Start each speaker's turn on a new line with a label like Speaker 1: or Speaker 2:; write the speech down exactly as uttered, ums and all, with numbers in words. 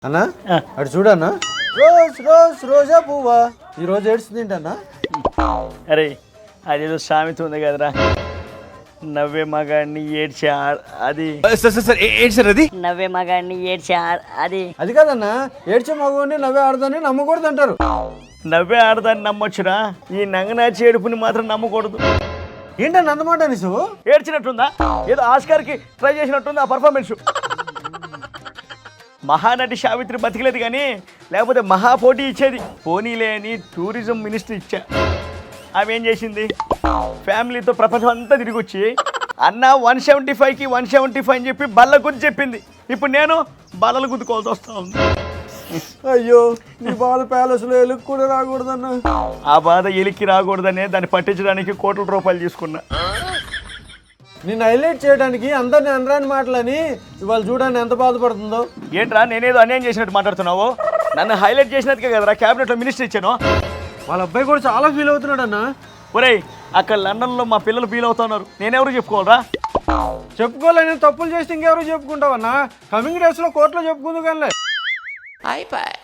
Speaker 1: అన్నా అటు చూడన్నా రోజ్ రోజ్ రోజా పువ్వా ఈ రోజు ఏడ్చిందింటన్నా.
Speaker 2: అరే అదేదో సామెత ఉంది కదరా, నవ్వే మగాడిని ఏడ్చే అది
Speaker 3: సార్ సార్ సార్ ఏంటి సార్ అది?
Speaker 4: నవ్వే మగాడిని ఏడ్చే అది
Speaker 1: అది కాదన్నా, ఏడ్చే మగవాడిని నవ్వే ఆడదాన్ని నమ్మకూడదు అంటారు.
Speaker 2: నవ్వే ఆడదాన్ని నమ్మొచ్చురా, ఈ నంగనాచి ఏడుపుని మాత్రం నమ్మకూడదు.
Speaker 1: ఏంటన్నా అన్నమాట నీసు?
Speaker 2: ఏడ్చినట్టుందా, ఏదో ఆస్కార్కి ట్రై చేసినట్టుంది ఆ పర్ఫార్మెన్స్. మహానటి సావిత్రి బతికలేదు కానీ లేకపోతే మహా పోటీ ఇచ్చేది. పోనీలే అని టూరిజం మినిస్టర్ ఇచ్చా. ఆమె ఏం చేసింది, ఫ్యామిలీతో ప్రపంచం అంతా తిరిగి వచ్చి అన్న వన్ సెవెంటీ ఫైవ్కి వన్ సెవెంటీ ఫైవ్ అని చెప్పి బల్ల గుద్ది చెప్పింది. ఇప్పుడు నేను బల్లలు గుద్దుకోవాల్సి వస్తా ఉంది.
Speaker 1: అయ్యో నీ బాధ ప్యాలెస్లో ఎలుగు కూడా రాకూడదన్నా.
Speaker 2: ఆ బాధ ఎలికి రాకూడదనే దాన్ని పట్టించడానికి కోట్ల రూపాయలు తీసుకున్నా.
Speaker 1: నిన్ను హైలైట్ చేయడానికి అందరిని అనరాని మాటలని ఇవాళ చూడండి ఎంత బాధపడుతుందో.
Speaker 2: ఏంట్రా నేనేదో అన్యాయం చేసినట్టు మాట్లాడుతున్నావు? నన్ను హైలైట్ చేసినట్టుగా కదరా క్యాబినెట్లో మినిస్టర్ ఇచ్చాను.
Speaker 1: వాళ్ళ అబ్బాయి కూడా చాలా ఫీల్ అవుతున్నాడు అన్న.
Speaker 2: ఒరేయ్ అక్కడ లండన్లో మా పిల్లలు ఫీల్ అవుతున్నారు, నేనెవరు చెప్పుకోవాలరా?
Speaker 1: చెప్పుకోలేని తప్పులు చేస్తే ఇంకెవరు చెప్పుకుంటావన్నా? కమింగ్ డేస్లో కోర్టులో చెప్పుకుందు కానీ